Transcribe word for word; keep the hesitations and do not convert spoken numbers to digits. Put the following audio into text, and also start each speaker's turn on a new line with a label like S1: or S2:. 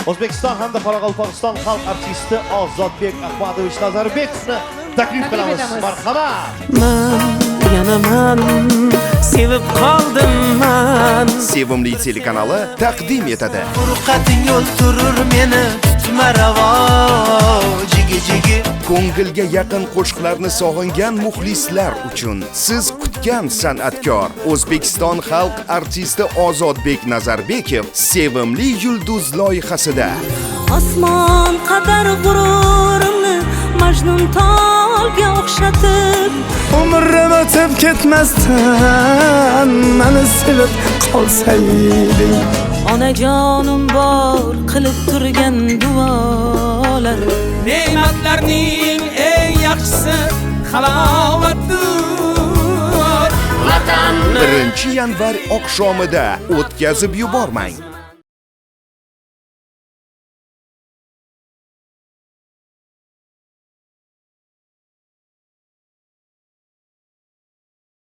S1: O'zbekiston hamda Qoraqalpog'iston xalq artisti Ozodbek Ahmadovich Nazarbekovni taklif qilamiz. Marhamat.
S2: Man yana man sevib qoldim man.
S3: Sevimli telekanali taqdim etadi.
S2: Furqating yo'l turur meni tutma ravo jigi jigi.
S3: Ko'ngilga yaqin qo'shiqlarni sog'ingan muxlislar uchun siz kutgan san'atkor O'zbekiston xalq artisti Ozodbek Nazarbekov Sevimli yulduz loyihasida.
S4: Osmon qadar g'ururimni Majnun tolga o'xshatib,
S2: Umrim o'tib ketmasdan meni sevib qolsayding.
S4: onajonim bor qilib turgan duolar.
S5: Ne'matlarning eng yaxshisi halovatdir.
S3: birinchi yanvar oqshomida o'tkazib yubormang.